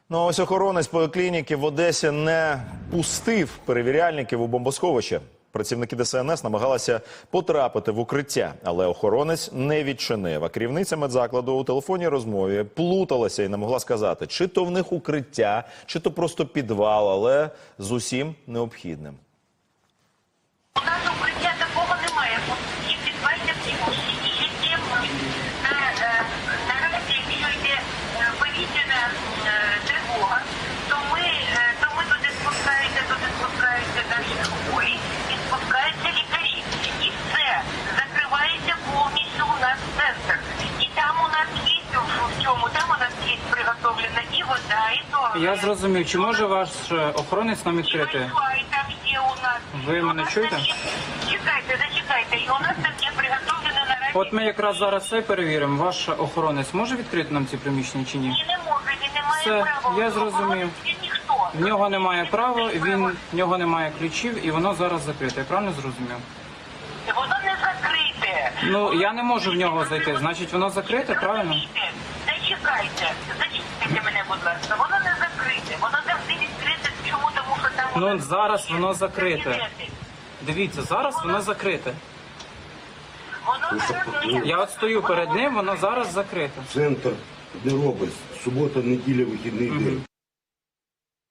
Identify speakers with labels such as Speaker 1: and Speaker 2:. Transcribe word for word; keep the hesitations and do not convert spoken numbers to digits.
Speaker 1: Ну, а ось охоронець поліклініки в Одесі не пустив перевіряльників у бомбосховище. Працівники Де Ес Ен Ес намагалися потрапити в укриття, але охоронець не відчинив. А керівниця медзакладу у телефонній розмові плуталася і не могла сказати, чи то в них укриття, чи то просто підвал, але з усім необхідним.
Speaker 2: У нас укриття такого немає. Всі підвальні всі і є наразі, якщо йде повітряна тривога, то ми, то ми туди спускаються, туди спускаються наші хворі і спускаються лікарі. І все, закривається повністю у нас центр. І там у нас є, в цьому, там у нас є приготовлена і вода, і туалет.
Speaker 3: Я зрозумів. Чи може ваш охоронець нам відкрити?
Speaker 2: Там є у нас.
Speaker 3: Ви мене чуєте?
Speaker 2: Чекайте, зачекайте. І у нас там є приготовлена наразі.
Speaker 3: От ми якраз зараз це перевіримо. Ваш охоронець може відкрити нам ці приміщення чи ні?
Speaker 2: Ні, не може, він не має
Speaker 3: Все,
Speaker 2: права.
Speaker 3: я зрозумів.
Speaker 2: Він ніхто.
Speaker 3: В нього немає права, він, в нього немає ключів і воно зараз закрите. Я правильно зрозумів?
Speaker 2: Воно не закрите.
Speaker 3: Ну, я не можу в нього зайти. Значить, воно закрите, правильно?
Speaker 2: Зачекайте. Зачекайте мене, будь ласка. Воно не закрите. Воно завжди відкрите. Чому? Тому що там...
Speaker 3: Ну, зараз воно закрите. Дивіться, зараз воно закрите.
Speaker 2: Воно зараз...
Speaker 3: Я от стою перед ним, воно зараз закрите.
Speaker 4: Центр не робить. Субота, неділя, вихідний день.